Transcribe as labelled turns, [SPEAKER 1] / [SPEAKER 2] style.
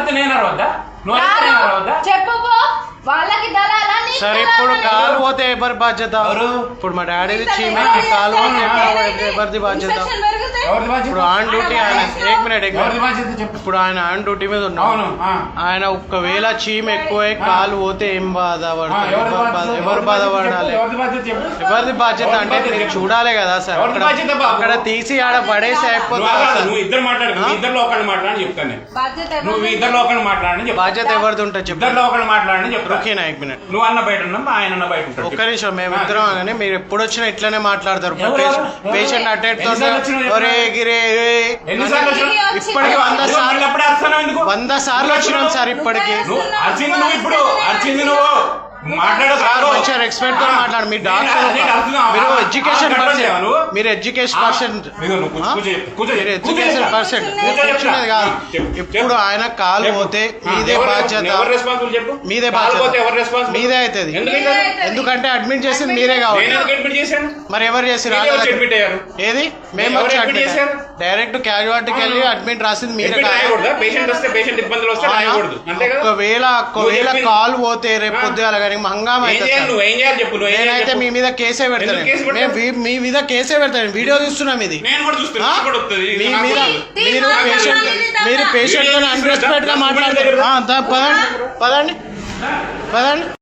[SPEAKER 1] అరిస్తే నేను అరవద్దా? నువ్వు అరిస్తే నేను అరవద్దా?
[SPEAKER 2] చెప్పు వాళ్ళకి
[SPEAKER 3] సరే ఇప్పుడు కాలు పోతే ఎవరి బాధ్యత? ఇప్పుడు మా డాడీది చీమే కాలు ఎవరిది బాధ్యత? ఇప్పుడు ఆన్ డ్యూటీ ఆయన ఇప్పుడు ఆయన ఆన్ డ్యూటీ మీద ఉన్నాడు. ఆయన ఒకవేళ చీమ ఎక్కువ కాలు పోతే ఏం బాధపడతారు? ఎవరు బాధపడాలి? ఎవరిది బాధ్యత అంటే మీరు చూడాలి కదా సార్. అక్కడ తీసి ఆడ పడేసి అయిపోతుంది. బాధ్యత ఎవరిది ఉంటుంది చెప్పు. ఓకేనా?
[SPEAKER 1] నువ్వు అన్న బయట ఉన్నాం, ఆయన అన్న బయట ఉంటాడు.
[SPEAKER 3] ఒక్క నిమిషం, మేమిద్దరం అనగానే మీరు ఎప్పుడు వచ్చినా ఇట్లానే మాట్లాడతారు. పేషెంట్ అటెండ్ ఇప్పటికి 100 సార్లు వచ్చినాం సార్. ఇప్పటికి మంచిగా రెస్పెక్ట్ తో మాట్లాడు. మీ డాక్టర్, మీరు ఎడ్యుకేషన్ పర్సన్, మీరు ఎడ్యుకేషన్ పర్సన్ కూర్చునేది కాదు. ఇప్పుడు ఆయన కాలు పోతే మీదే బాధ్యత, మీదే బాధ్యత మీదే అవుతుంది. ఎందుకంటే అడ్మిట్ చేసింది మీరే కావాలి. మరి ఎవరు చేసి ఏది? మేము డైరెక్ట్ క్యాజువాలిటీకి వెళ్ళి అడ్మిట్ రాసింది మీరే. ఒకవేళ కాలు పోతే రేపు పొద్దుగాల కానీ హంగామా నేనైతే మీ మీద కేసే పెడతాను. మీ మీద కేసే పెడతాను. వీడియో చూస్తున్నాం ఇది. మీ మీద మీరు పేషెంట్ తో అన్రెస్పెక్ట్ గా మాట్లాడతారు. పదండి.